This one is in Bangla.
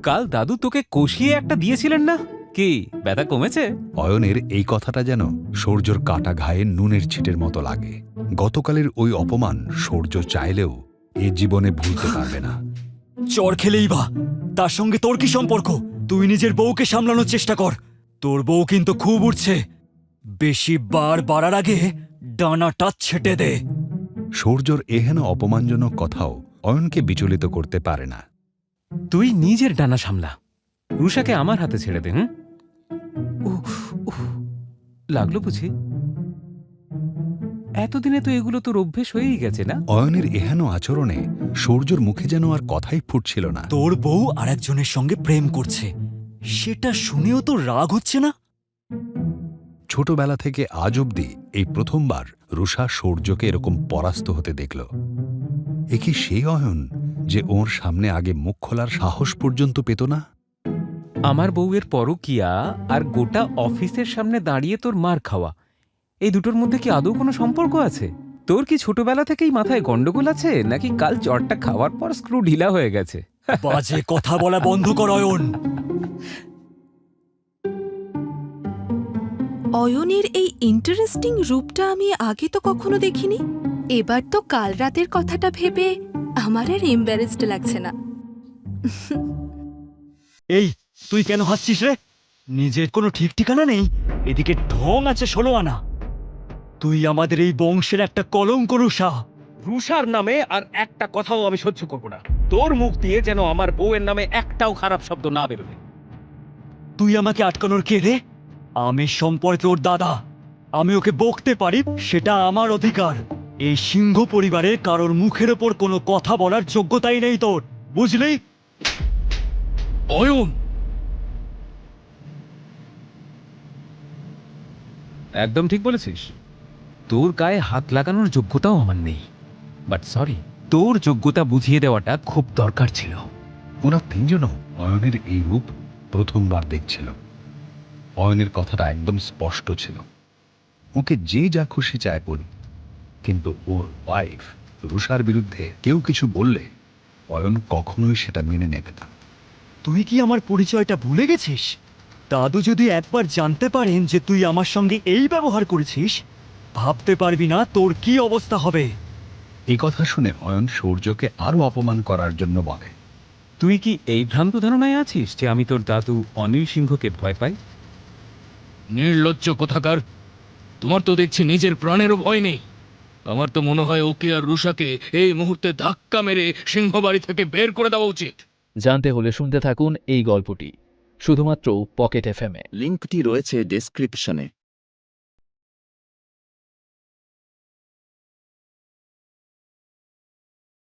কাল দাদু তোকে কষিয়ে একটা দিয়েছিলেন না, কি ব্যথা কমেছে? অয়নের এই কথাটা যেন সূর্যর কাটা ঘায়ে নুনের ছিটের মতো লাগে। গতকালের ওই অপমান সূর্য চাইলেও এ জীবনে ভুলতে পারবে না। চর খেলেই বা তার সঙ্গে তোর কি সম্পর্ক? তুই নিজের বউকে সামলানোর চেষ্টা কর। তোর বউ কিন্তু খুব উঠছে, বেশি বার বাড়ার আগে ডানাটা ছেটে দে। সূর্যর এহেন অপমানজনক কথাও অয়নকে বিচলিত করতে পারে না। তুই নিজের ডানা সামলা, রুষাকে আমার হাতে ছেড়ে দে। লাগলো বুঝি? এতদিনে তো এগুলো তোর অভ্যেস হয়েই গেছে না? অয়নের এহেন আচরণে সূর্যর মুখে যেন আর কথাই ফুটছিল না। তোর বউ আরেকজনের সঙ্গে প্রেম করছে, সেটা শুনেও তো রাগ হচ্ছে না? ছোটবেলা থেকে আজ অবধি এই প্রথমবার রুষা সূর্যকে এরকম পরাস্ত হতে দেখল। এ কি সেই অয়ন যে ওর সামনে আগে মুখ খোলার সাহস পর্যন্ত পেত না? আমার বউয়ের পরকিয়া আর গোটা অফিসের সামনে দাঁড়িয়ে তোর মার খাওয়া, এই দুটোর মধ্যে কি আদৌ কোনো সম্পর্ক আছে? তোর কি ছোটবেলা থেকেই মাথায় গন্ডগোল আছে, নাকি কাল জ্বরটা খাওয়ার পর স্ক্রু ঢিলা হয়ে গেছে? বাজে কথা বলা বন্ধ কর অয়ন। অয়নের এই ইন্টারেস্টিং রূপটা আমি আগে তো কখনো দেখিনি। এবার তো কাল রাতের কথাটা ভেবে আমার আর এম্বারেসড লাগছে না। এই, তুই কেন হাসছিস রে? নিজের কোনো ঠিক ঠিকানা নেই, এদিকে ঢং আছে 16 আনা। তুই আমাদের এই বংশের একটা কলঙ্ক রুষা। রুষার নামে আর একটা কথাও আমি সহ্য করব না। তোর মুখ দিয়ে যেন আমার বউয়ের নামে একটাও খারাপ শব্দ না বেরোবে। তুই আমাকে আটকানোর কে রে? আমি সম্পর্কে ওর দাদা, আমি ওকে বকতে পারি, সেটা আমার অধিকার। এই সিংহ পরিবারের কারোর মুখের ওপর কোনো কথা বলার যোগ্যতাই নেই তোর, বুঝলি? অয়ন, একদম ঠিক বলেছিস। তোর গায়ে হাত লাগানোর যোগ্যতাও আমার নেই, বাট সরি, তোর যোগ্যতা বুঝিয়ে দেওয়াটা খুব দরকার ছিল। ওরা তিনজনও অয়নের এই রূপ প্রথমবার দেখছিল। অয়নের কথাটা একদম স্পষ্ট ছিল, ওকে যে যা খুশি চায় বলুক, কিন্তু ওর ওয়াইফ রুষার বিরুদ্ধে কেউ কিছু বললে অয়ন কখনোই সেটা মেনে নেবে না। তুই কি আমার পরিচয়টা ভুলে গেছিস? দাদু যদি একবার জানতে পারেন যে তুই আমার সঙ্গে এই ব্যবহার করেছিস, ভাবতে পারবি না তোর কি অবস্থা হবে। এই কথা শুনে অয়ন সূর্যকে আরো অপমান করার জন্য বলে, তুই কি এই ভ্রান্ত ধারণায় আছিস যে আমি তোর দাদু অনিল সিংহকে ভয় পাই? নির্লজ্জ কোথাকার! তোমার তো দেখছি নিজের প্রাণেরও ভয় নেই। আমার তো মনে হয় ওকে আর রুষাকে এই মুহূর্তে ধাক্কা মেরে সিংহবাড়ি থেকে বের করে দেওয়া উচিত। জানতে হলে শুনতে থাকুন এই গল্পটি শুধুমাত্র পকেট এফএমে। লিঙ্কটি রয়েছে ডেসক্রিপশনে।